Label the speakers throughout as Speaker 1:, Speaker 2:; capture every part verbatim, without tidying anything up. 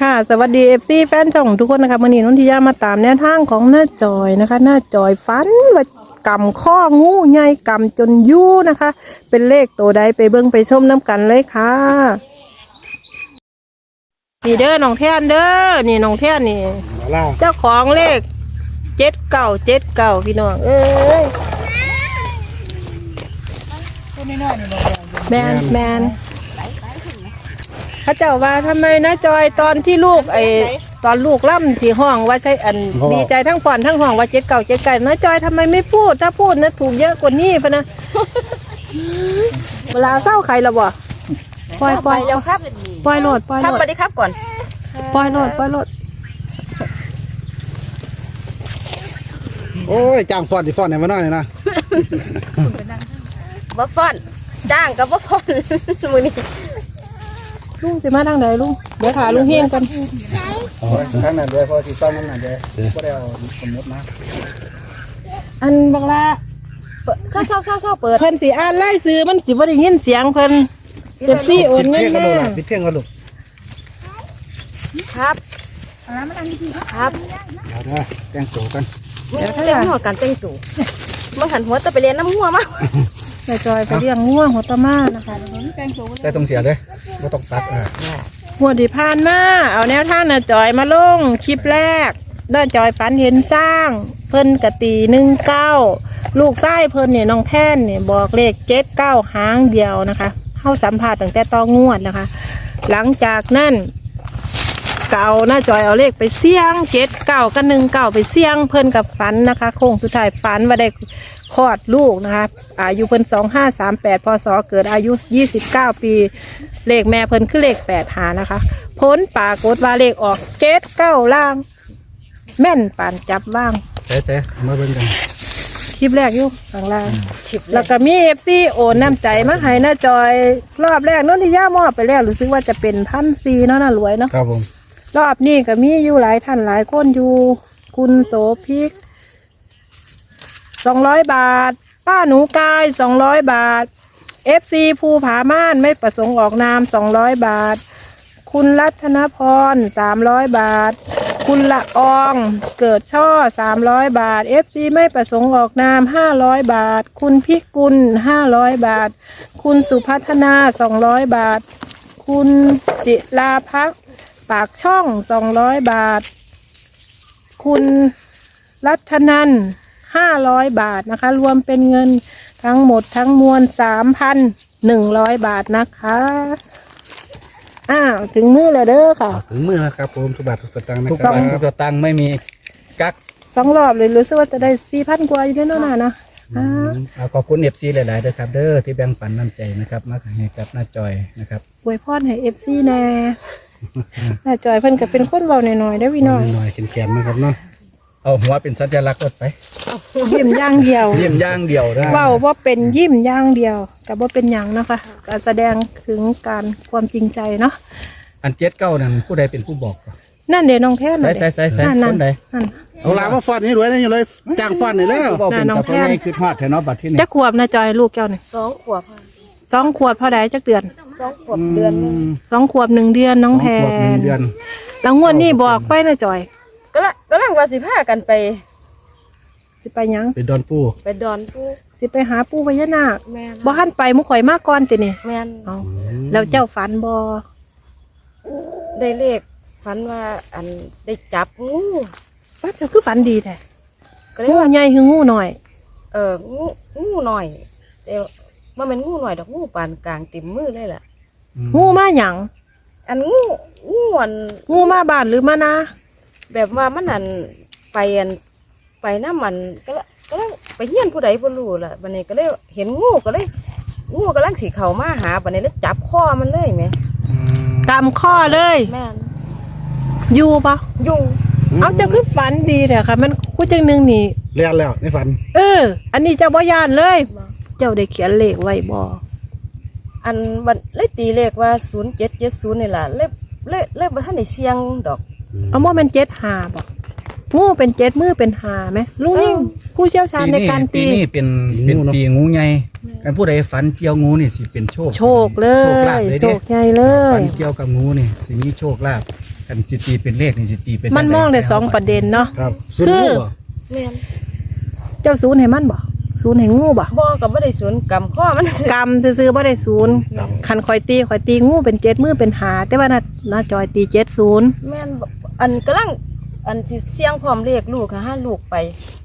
Speaker 1: ค่ะสวัสดีเอฟซีแฟนช่องทุกคนนะคะมื่อนี้นนทิยามาตามแนวทางของหน้าจอยนะคะหน้าจอยฟันว่ากำข้องูใหญ่กำจนยู่นะคะเป็นเลขตัวใดไปเบิ่งไปชมน้ำกันเลยค่ะนี่เด้อน้องแท่นเด้อนี่น้องแท่นนี่เจ้าของเลขเจ็ดเก่าเจ็ดเก่าพี่น้องเอ้ยแมนแมนเขาเจ้าว่าทำไมนะจอยตอนที่ลูกไอตอนลูกล่ำที่ห้องว่าใช่อันดีใจทั้งผ่อนทั้งห้องว่าเจ็ดเก่าเจ็ดไก่นะจอยทำไมไม่พูดถ้าพูดนะถูกเยอะกว่านี้พะนะเวลาเศร้าใครละบ่ปล่อยปล่อยแล้วครับปล่อยโหลดปล่อยโหลดครับไปดิครับก่อนปล่อยโหลดปล่อยโหลด
Speaker 2: โอ้ยจ้างฟอนดิฟอนไหนมาหน่อยนะ
Speaker 3: บ่ฟอนจ้างกับบ่ฟอนมือนี้
Speaker 1: ลุงจะมาทางไหนลุงเดี๋ยวขาลุงเฮียงกัน
Speaker 2: ทางนั้นเลยพอที่ต้องนั่นน่ะเลยก็ได้เอาสมมตินะ
Speaker 1: อันบังละ
Speaker 3: เศร้าเศร้าเศร้าเศร้าเปิด
Speaker 1: เพิ่นสีอ่านไล่ซื้อมันสิบ่ได้ยินเสียงเพิ่นเจ็บซี่โอนเงินมา
Speaker 2: ปิดเพียงกันลูก
Speaker 3: ครับครับ
Speaker 2: เอาเด้อแต่งตัวกัน
Speaker 3: เต้นหัวกันเต้นตู่มันหันหัวตะไปเรียนน้ำหัวมา
Speaker 1: ใส่จอยไปเลี้ยงง่วงหัวตะมานะคะ
Speaker 2: แต่ต้องเสียเลยไม่ต้องตัดอ่ะ
Speaker 1: หัวดีพานมาเอาแนวทางน่ะจอยมาลงคลิปแรกด้านจอยฝันเห็นสร้างเพิ่นกะตีหนึ่งเก้าลูกไส้เพิ่นเนี่ยน้องแท่นเนี่ยบอกเลขเจ็ดเก้าหางเดียวนะคะเข้าสัมผัสตั้งแต่ตองวดนะคะหลังจากนั้นเก่าหน้าจอยเอาเลขไปเสี่ยงเจ็ดเก้ากับหนึ่งเก้าไปเสี่ยงเพิ่นกับฝันนะคะโค้งสุดท้ายฝันว่าได้คลอดลูกนะคะอายุเพิ่นสองห้าสามแปดพศเกิดอายุยี่สิบเก้าปีเลขแม่เพิ่นคือเลขแปดหานะคะพ้นปากฏว่าเลขออกเจ็ดเก้าล่างแม่นปานจับว่าง
Speaker 2: เซ่เซ่มาเบิ่งกัน
Speaker 1: คลิปแรกอยู่ข้างล่างแล้วก็มีเอฟซีโอนน้ำใจมาให้หน้าจอยรอบแรกน้นที่ย่ามอบไปแล้วรู้สึกว่าจะเป็นพันซีเนาะน่ารวยเนาะ
Speaker 2: ครับผม
Speaker 1: รอบนี้ก็มีอยู่หลายท่านหลายคนอยู่คุณโสภิกสองร้อยบาทป้าหนูกายสองร้อยบาทเอฟซีภูผาม่านไม่ประสงค์ออกนามสองร้อยบาทคุณรัตนพรสามร้อยบาทคุณละอองเกิดช่อสามร้อยบาทเอฟซีไม่ประสงค์ออกนามห้าร้อยบาทคุณพิกุลห้าร้อยบาทคุณสุพัฒนาสองร้อยบาทคุณจิราภักดิ์ปากช่องสองร้อยบาทคุณรัตนันห้าร้อยบาทนะคะรวมเป็นเงินทั้งหมดทั้งมวลสามพันหนึ่งร้อยบาทนะคะอ้าวถึงมือแล้วเด้อค่ะ
Speaker 2: ถึงมือแล้วครับผมทุกบาททุกสตางค์นะ
Speaker 4: ทุกบาททุกสตางค์ไม่มีกัก
Speaker 1: สองรอบเลยรู้สึกว่าจะได้สี่พันกว่าอยู่แน่นอนนะ
Speaker 4: เอาขอบคุณเอฟซีหลายๆด้วยครับเด้อที่แบ่งปันน้ำใจนะครับมาให้กับหน้าจอยนะครับ
Speaker 1: อวยพรให้เอฟซีแน่หน้าจอยเพิ่นก็เป็นคนเบาหน่อยๆได้พี่น้อย
Speaker 2: หน่อยเขียนๆนะครับเนาะ
Speaker 4: เอาหัวเป็นสัญลักษณ์รถไป
Speaker 1: ยิ้มย่างเดียว
Speaker 4: ยิ้มย่างเดียวได้
Speaker 1: เบาว่าเป็นยิ้มย่างเดียวกับว่าเป็นอย่างนะคะการแสดงถึงการความจริงใจเนาะ
Speaker 4: อันเจ็ดเก้านั่นผู้ใดเป็นผู้บอก
Speaker 1: นั่นเดี๋ยวน้องแพน
Speaker 4: ใส่ใส่ใส่ใส่คนใด
Speaker 2: เอาลามาฟอนนี่รวยนี่เลยจ้างฟอนนี่แล้ว
Speaker 4: บอกเป็นกับพ่อแม่คือทอดแถวเนาะบัดที่นี่
Speaker 1: จะขวบนะจอยลูกเจ้าเนี่ย
Speaker 3: สองขวบ
Speaker 1: สองขวบพอได้จักเดือน
Speaker 3: สองขวบเดือน
Speaker 1: สองขวบหนึ่งเดือนน้องแพนแล้วงวดนี้บอกไปนะจอย
Speaker 3: ก็ละก็ลังว่าสิพากันไป
Speaker 1: สิไปยัง
Speaker 2: ไปดอนปู
Speaker 3: ไปดอนปู
Speaker 1: สิไปหาปูพญานาคบ่หันไปมุข่อยมากก่อนตินี่
Speaker 3: แม่น
Speaker 1: เอาแล้วเจ้าฝันบ่
Speaker 3: ได้เลขฝันว่าอันได้จับงู
Speaker 1: ป้าเจ้าคือฝันดีแท้งูใหญ่คืองูหน่อย
Speaker 3: เอองูงูหน่อยแต่ว่ามันงูหน่อยดอกงูปานกลางเต็มมือเลยล่ะ
Speaker 1: งูมาหยัง
Speaker 3: อันงูงูอัน
Speaker 1: งูมาบ้านหรือมานา
Speaker 3: แบบว่ามันอันไปอันไปน้ำมันก็แล้วก็แล้วไปเฮี้ยนผู้ใดผู้รู้ล่ะบัดนี้ก็เลยเห็นงูก็เลยงูกำลังสีเข่ามาหาบัดนี้แล้วจับข้อมันเลยไหม
Speaker 1: ตามข้อเลย
Speaker 3: แม่น
Speaker 1: อยู่ปะ
Speaker 3: อยู่
Speaker 1: เอาเจ้าคือฝันดีแต่ค่ะมันคู่จังหนึ่งนี่
Speaker 2: เลี้ยงแล้วในฝัน
Speaker 1: เอออันนี้เจ้าบ่ยานเลยเจ้าได้เขียนเลขไว้บ่
Speaker 3: อันบัดเลยตีเลขว่าศูนย์เจ็ดเจ็ดศูนย์นี่แหละเลยเลยเลยบ่ทันได้เสียงดอก
Speaker 1: เอาโมเป็นเจ็ดหาบ่งูเป็นเจ็ดมือเป็นหาไหมลุงยิ่งผู้เชี่ยวชาญในการตี
Speaker 4: ปีนี้เป็นเป็นปีงูใหญ่การผู้ใดฝันเกี่ยวงูนี่สิเป็นโชค
Speaker 1: โชคเลยโชคใหญ่เลย
Speaker 4: ฝันเกี่ยวกับงูนี่สิมีโชคลาภใคคันสิตีเป็นเลขนี่สิตีเป็น
Speaker 1: มันมองได้สองประเด็นเนาะ
Speaker 2: ครับศูนย์งูบ่
Speaker 3: แม่น
Speaker 1: เจ้าศูนย์ให้มันบ่ศูนย์ให้งูบ่
Speaker 3: บ่ก็บ่ได้สวนกำข้อมัน
Speaker 1: กรรมซื้อๆบ่ได้ศูนย์คันคอยตีคอยตีงูเป็นเจ็ดมือเป็นหาแต่ว่าน่ะน่าจอยตีเจ็ดศูนย์
Speaker 3: แม่นบ่อันกำลังอันที่เสียงพร้อมเรียกลูกค่ะห้าลูกไป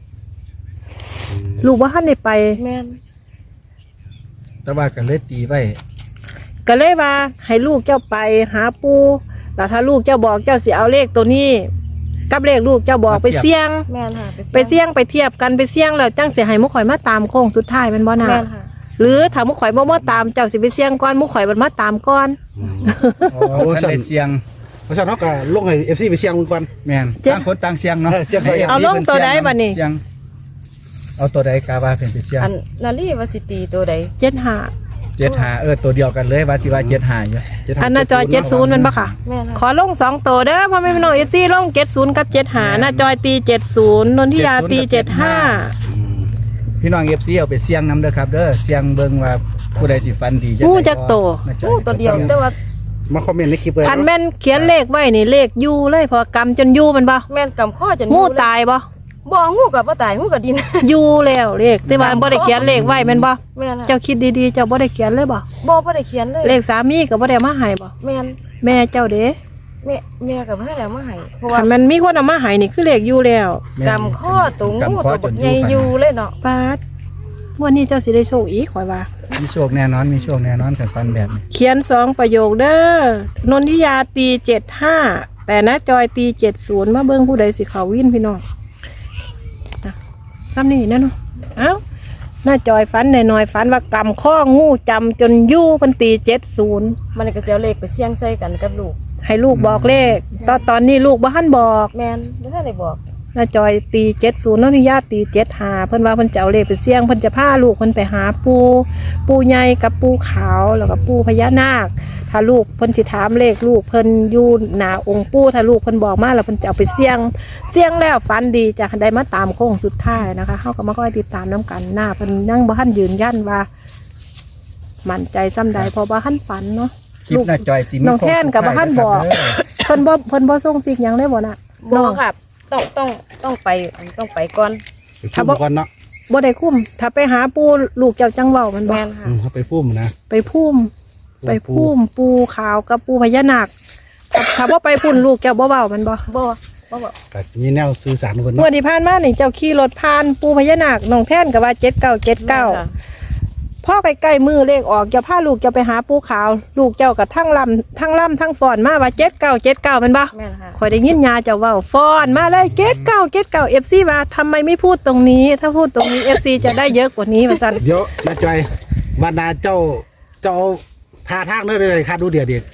Speaker 1: ลูกว่าท่านได้ไป
Speaker 3: แม่น
Speaker 4: แต่ว่าก็เลยตีไว้
Speaker 1: ก็เลยว่าให้ลูกเจ้าไปหาปูแล้วถ้าลูกเจ้าบอกเจ้าสิเอาเลขตัวนี้ กับเลขลูกเจ้าบอกไปเสี่ยง
Speaker 3: แม่นค่ะ
Speaker 1: ไปเสี่ยงไปเทียบกันไปเสี่ยงแล้วจังสิให้มุกข่อยมาตามโค้งสุดท้ายแมันบ่น่ะ
Speaker 3: แม่นค่ะ
Speaker 1: หรือถ้ามุกข่อยบ่มาตามเจ้าสิไปเสี่ยงก่อนมุกข่อยมันมาตามก่อน
Speaker 4: อ๋อคันได้เสียง
Speaker 2: เพราะฉะนั้นเราก็ลงให้ เอฟ ซี ไปเสี่ยงมึงก่อน
Speaker 4: แม่นต่างคนต่างเสียงเนาะ
Speaker 2: เออเสียงไป
Speaker 4: ให้
Speaker 1: เอาลงตัวใดบัดนี้
Speaker 4: เสียงเอาตัวใดกาว่าเป็นไปเสียง
Speaker 3: อันนาลีว่าสิตีตัวใด
Speaker 1: เจ็ดห้า
Speaker 4: เจ็ดหาเออตัวเดียวกันเลยว่าสิว่าเจ็ดหาอยู่
Speaker 1: อันน่ะจอยเจ็ดศูนย์มันบ่ค่ะ
Speaker 3: แม่น
Speaker 1: ข
Speaker 3: ค่ะ
Speaker 1: อลงสองตัวเด้อพ่อแม่พี่น้องเอฟซีลงเจ็ดศูนย์กับเจ็ดห้าน่ะจอยตีเจ็ดศูนย์นนทิยาตีเจ็ดห้า
Speaker 4: พี่น้อง เอฟ ซี เอาไปเสียงนำเด้อครับเด้อเสียงเบิ่งว่าผู้ใดสิฟันดี
Speaker 1: งูจักโต
Speaker 4: น่าจะ
Speaker 3: โอ้ตัวเดียวแต่ว่า
Speaker 2: มาคอมเมนต์ในคลิปเลย
Speaker 1: คันแม่นเขียนเลขไว้นี่เลขอยู่เลยพอกำจนอยู่มันบ่
Speaker 3: แม่นกำข้อจน
Speaker 1: งู
Speaker 3: เลย
Speaker 1: ตายบ่
Speaker 3: บ่งูกับบ่ตายงูกับดิน
Speaker 1: อยู่แล้วเลขแต่ว่าบ่ได้เขียนเลขไว้แม่นบ่
Speaker 3: แม่นค่ะ
Speaker 1: เจ้าคิดดีๆเจ้าบ่ได้เขียนเลยบ่
Speaker 3: บ่บ่ได้เขียนเลย
Speaker 1: เลขสามีก็บ่ได้มาให้บ่
Speaker 3: แม่น
Speaker 1: แม่เจ้าเด้
Speaker 3: แม่แม่กับเพิ่นแล้วมาให้เพราะว่า
Speaker 1: คันมันมีคนเอามาให้นี่คือเลขอยู่แล้ว
Speaker 4: แม่น
Speaker 3: กำข้อตัวงู
Speaker 4: กำข้อ
Speaker 3: ตัว
Speaker 4: จ
Speaker 3: บั
Speaker 4: น
Speaker 3: ก
Speaker 4: อยู่
Speaker 3: ใหญ่อยู่เลยเนาะ
Speaker 1: ปาดวันนี้เจ้าสิได้โชคอีกข่อยว่า
Speaker 4: มีโชคแน่นอนมีโชคแน่นอนกันฟันแบบนี้
Speaker 1: เขียนสองประโยคเด้อนนทิยาตีเจ็ดห้าแต่นะจอยตีเจ็ดศูนย์มาเบิ่งผู้ใดสิเขาวินพี่น้องนะซ้ำนี่นั่นเนาะเอ้าหน้าจอยฝันหน่อยๆฝันว่ากำข้องูจำจนยู่เพิ่นตีเจ็ดศูนย์
Speaker 3: มันก็สิเอาเลขไปเสี่ยงใส่กันกับลูก
Speaker 1: ให้ลูกบอกเลขตอนตอนนี้ลูกบ่ทันบอก
Speaker 3: แม่นบ่ทันได้บอก
Speaker 1: หน้าจอยตีเจ็ดศูนย์นนทิยาตีเจ็ดห้าเพิ่นว่าเพิ่นจะเอาเลขไปเสี่ยงเพิ่นจะพาลูกเพิ่นไปหาปูปูใหญ่กับปูขาวแล้วก็ปูพญานาค ถ้าลูกเพิ่นสิถามเลขลูกเพิ่นอยู่หน้าองค์ปู่ถ้าลูกเพิ่นบอกมาแล้วเพิ่นจะเอาไปเสี่ยงเสี่ยงแล้วฝันดีจะได้มาตามโค้งสุดท้ายนะคะเฮาก็มาคอยติดตามน้กันหน้าเพิ่นยังบ่ทันยืนยันว่ามั่นใจซ้ำใดเพราะว่าทันฝันเนาะ
Speaker 4: คลิปหน้าจอยสิมี
Speaker 1: น้องแท่นกับบ่ทันบอก เพิ่นบ่เพิ่นบ่ส่งซิกหยังเลยบ่น่ะ
Speaker 3: บ่ครับต้องต้องต้องไปต้องไปก่อน
Speaker 2: ไปพุ่มก่อนเนาะ
Speaker 1: บ่ได้คุ้มถ้าไปหาปู่ลูกเจ้าจังเว้ามันบ่
Speaker 3: แม่นค่ะ
Speaker 2: อืมเขาไปพุ่มนะ
Speaker 1: ไปพุ่มไปพุ่มปูขาวกับปูพญานาคถ้าถ้าบ่ไปพุ่นลูกเจ้าบ่เว้ามันบ่
Speaker 3: บ่บ่บอก
Speaker 2: ก็มีแนวสื่อสารคน
Speaker 1: งว
Speaker 2: เนาะ
Speaker 1: ดที่ผ่านมานี่เจ้าขี่รถผ่านปูพญานาคน้องแท่นก็ว่าเจ็ดเก้าเจ็ดเก้า
Speaker 3: ค่ะ
Speaker 1: พ่อใกล้ๆมือเลขออกจะพาลูกจะไปหาปูขาว ลูกเจ้ากับทั้งลำทั้งลำทั้งฟอนมาว่าเจ็ดเก้าเจ็ดเก้าเป็นบ่
Speaker 3: แม่นค่ะ
Speaker 1: คอยได้ยินยาเจ้าเว้าฟอนมาเลยเจ็ดเก้าเจ็ดเก้าเอฟซีว่าทำไมไม่พูดตรงนี้ ถ้าพูดตรงนี้เอฟซีจะได้เยอะกว่านี้มาสั่น
Speaker 2: เดี๋ยวนาจอยวันนาเจ้าเจ้าท่าทางเด้อเลยคาดดูเดียวเด็ก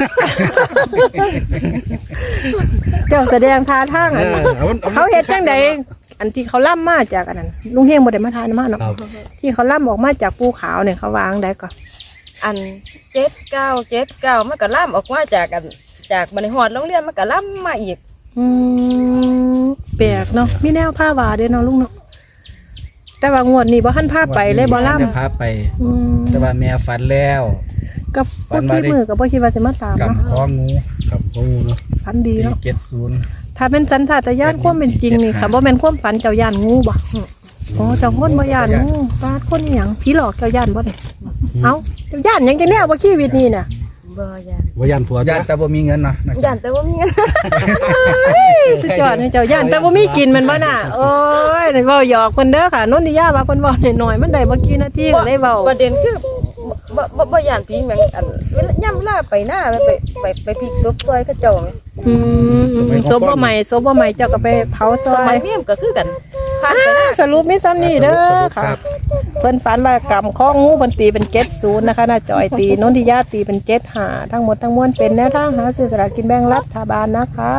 Speaker 1: เจ้าแสดงท่าทางอัน
Speaker 2: เออเอามันเอามัน
Speaker 1: เขาเฮ็ดจังใดอันที่เขาล่ำมาจากอันนั้นลุงเฮงบ่ได้มาทานมาเนาะ
Speaker 2: ครับ
Speaker 1: ที่เขาล่ำออกมาจากปูขาวเนี่ยเขาวางได้ก่อน
Speaker 3: อันเจ็ดเก้าเจ็ดเก้ามันก็ล่ำออกมาจากกันจากบันไดหอดโรงเรียนมันก็ล่ำมาอีก
Speaker 1: อืมแปลกเนาะมีแนวผ้าวาด้วยเนาะลุงเนาะแต่ว่างวดนี้บ่ทันผ้าไปเลยบ่ล่
Speaker 4: จะพาไป
Speaker 1: ำอืม
Speaker 4: แต่ว่าแม่ฝันแล้ว
Speaker 1: กับพูดที่มือกับบ่คิดว่าจะมาตาม
Speaker 4: กับ
Speaker 1: เนาะ
Speaker 4: ข้องู
Speaker 2: ครับโอ้เนาะ
Speaker 1: ฝันดี
Speaker 4: ตี
Speaker 1: เนาะ
Speaker 4: เจ็ดศูนย์
Speaker 1: ถ้าเป็นสันชาตญาณความเป็นจริงนี่ค่ะบ่แม่นความฝันเจ้าย่านงูบ่โอ้เจ้าคนบ่ย่านงูปาดคนอีหยังผีหลอกเจ้าย่านบ่เนี่ยเอ้าเจ้าย่านหยังจังแนวบ่ชีวิตนี่น่ะ
Speaker 3: บ่ยาน
Speaker 2: วายันผัว
Speaker 4: ญา
Speaker 2: จ้ะ
Speaker 4: ติแต่บ่มีเงินเนาะนะ
Speaker 3: ยานแต่ว่ามีเงิน
Speaker 1: สุดยอดให้เจ้าย่านแต่บ่มีกินแมันบ่น่ะโอ้ยเว้าหยอกเพิ่นเด้อค่ะนนทิยาว่าเพิ่นเว้าน้อยๆมันได้บ่กี่นาทีก็เลยเว้า
Speaker 3: ประเด็นคือบ่บ่บ่ยานผีแม่งอันเวลาย่ำเวลาไปหน้าไปไปไปพลิกศพซอยเขาเจ้าแม่
Speaker 1: อืมศพบ่ใหม่ศพบ่ใหม่เจ้าก็ไปเผาซ
Speaker 3: ส
Speaker 1: อ
Speaker 3: มั
Speaker 1: ย
Speaker 3: ยเมียมก็คือกันผ่านไปหน้า
Speaker 1: สรุปมีซ้ำนี่เด้อ
Speaker 4: สรุป
Speaker 1: ค่ะ
Speaker 4: ครับ
Speaker 1: เพิ่นฝันว่ากรรมข้องงูเพิ่นตีเป็นเจ็ดศูนย์นะคะน่าจอยตีนนทิยาตีเป็นเจ็ดหาทั้งหมดทั้งมวลเป็นแนวทางหาซื้อสลากกินแบ่งรัฐบาลนะคะ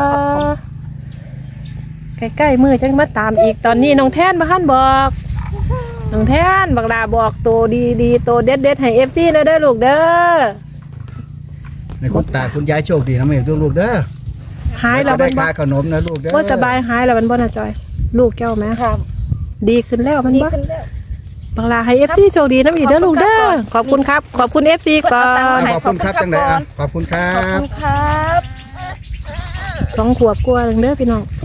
Speaker 1: ใกล้ๆมือจังมาตามอีกตอนนี้น้องแท่นมาหันบอกน้องแท่นบักลาบอกตัวดีๆตัวเด็ดๆให้เอฟซีเด้อเด้อลูกเด้อ
Speaker 4: ในคุณตาคุณยายโชคดีนะแม่ลูกๆเด้อ
Speaker 1: หายแล้ว
Speaker 4: ได้
Speaker 1: มันบ่
Speaker 4: ค่าขนมนะลูกเด้อ
Speaker 1: ว่าสบายหายแล้วมันบ่น่าจอย ลูกแก้วไหม
Speaker 3: ครับ
Speaker 1: ดีขึ้นแล้วมัน
Speaker 3: ดี
Speaker 1: บ่
Speaker 3: ขึ้นแล้ว
Speaker 1: บักลาให้เอฟซีโชคดีน้ำอีกเด้อลูกเด้อขอบคุณครับ ขอบคุณเอฟซีก่อน
Speaker 4: ขอบคุณครับจังไดอ่ะขอบคุณครั
Speaker 3: ขอบบ คุณครับ
Speaker 1: สองขวบกว่าเด้อพี่น้อง